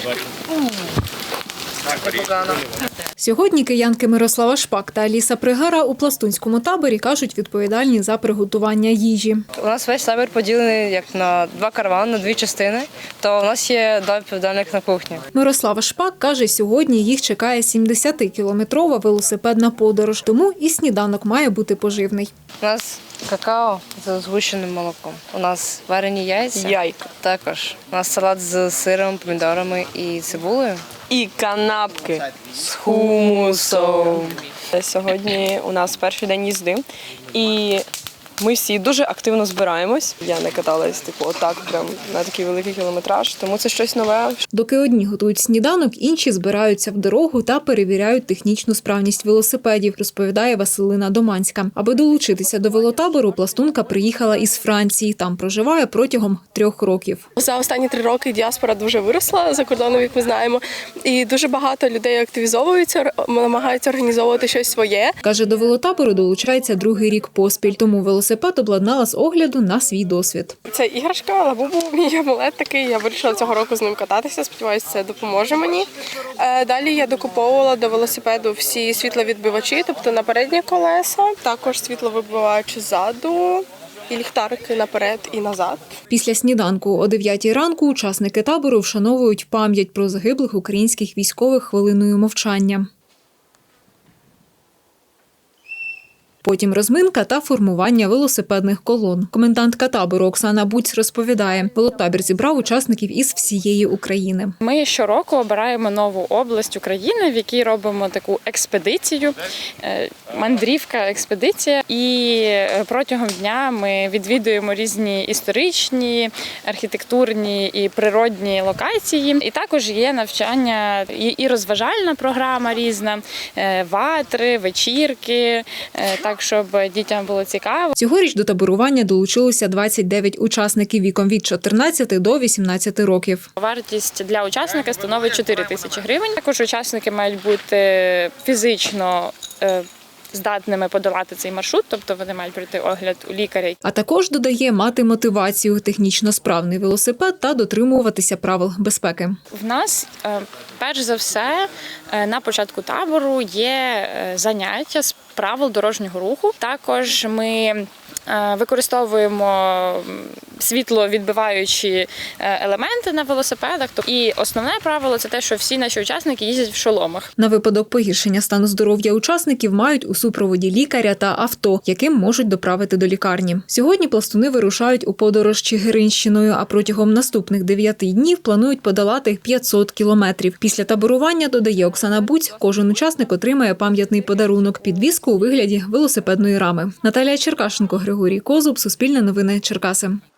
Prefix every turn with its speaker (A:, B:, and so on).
A: Сьогодні киянки Мирослава Шпак та Аліса Пригара у пластунському таборі, кажуть, відповідальні за приготування їжі.
B: У нас весь табір поділений як на два каравани, на дві частини, то у нас є два відповідальних на кухні.
A: Мирослава Шпак каже, сьогодні їх чекає 70-кілометрова велосипедна подорож, тому і сніданок має бути поживний.
B: У нас какао з згущеним молоком, у нас варені яйця, також у нас салат з сиром, помідорами і цибулею.
C: І канапки з хумусом. Сьогодні у нас перший день їзди, і ми всі дуже активно збираємось. Я не каталась отак прям на такий великий кілометраж, тому це щось нове.
A: Доки одні готують сніданок, інші збираються в дорогу та перевіряють технічну справність велосипедів, розповідає Василина Доманська. Аби долучитися до велотабору, пластунка приїхала із Франції. Там проживає протягом 3 років.
D: За останні 3 роки діаспора дуже виросла за кордоном, як ми знаємо, і дуже багато людей активізовуються, намагаються організовувати щось своє.
A: Каже, до велотабору долучається 2-й рік поспіль, тому велосипед обладнала з огляду на свій досвід.
D: Це іграшка, лабубу, мій амулет такий. Я вирішила цього року з ним кататися. Сподіваюся, це допоможе мені. Далі я докуповувала до велосипеду всі світловідбивачі, тобто на передні колеса, також світловибивач ззаду. І ліхтарики наперед і назад.
A: Після сніданку о 9-й ранку учасники табору вшановують пам'ять про загиблих українських військових хвилиною мовчання. Потім розминка та формування велосипедних колон. Комендантка табору Оксана Буць розповідає, велотабір зібрав учасників із всієї України.
E: Ми щороку обираємо нову область України, в якій робимо таку експедицію, мандрівка-експедиція. І протягом дня ми відвідуємо різні історичні, архітектурні і природні локації. І також є навчання і розважальна програма різна, ватри, вечірки, так, щоб дітям було цікаво.
A: Цьогоріч до таборування долучилося 29 учасників віком від 14 до 18 років.
E: Вартість для учасника становить 4 тисячі гривень. Також учасники мають бути фізично здатними подолати цей маршрут, тобто вони мають пройти огляд у лікаря.
A: А також, додає, мати мотивацію, технічно справний велосипед та дотримуватися правил безпеки.
E: В нас, перш за все, на початку табору є заняття з правил дорожнього руху. Також ми використовуємо світловідбиваючі елементи на велосипедах. І основне правило – це те, що всі наші учасники їздять в шоломах.
A: На випадок погіршення стану здоров'я учасників мають у супроводі лікаря та авто, яким можуть доправити до лікарні. Сьогодні пластуни вирушають у подорож Чигиринщиною, а протягом наступних 9 днів планують подолати 500 кілометрів. Після таборування, додає Оксана Буць, кожен учасник отримає пам'ятний подарунок – підвіску у вигляді велосипедної рами. Наталія Черкашенко, Григорій Козуб, Суспільне новини, Черкаси.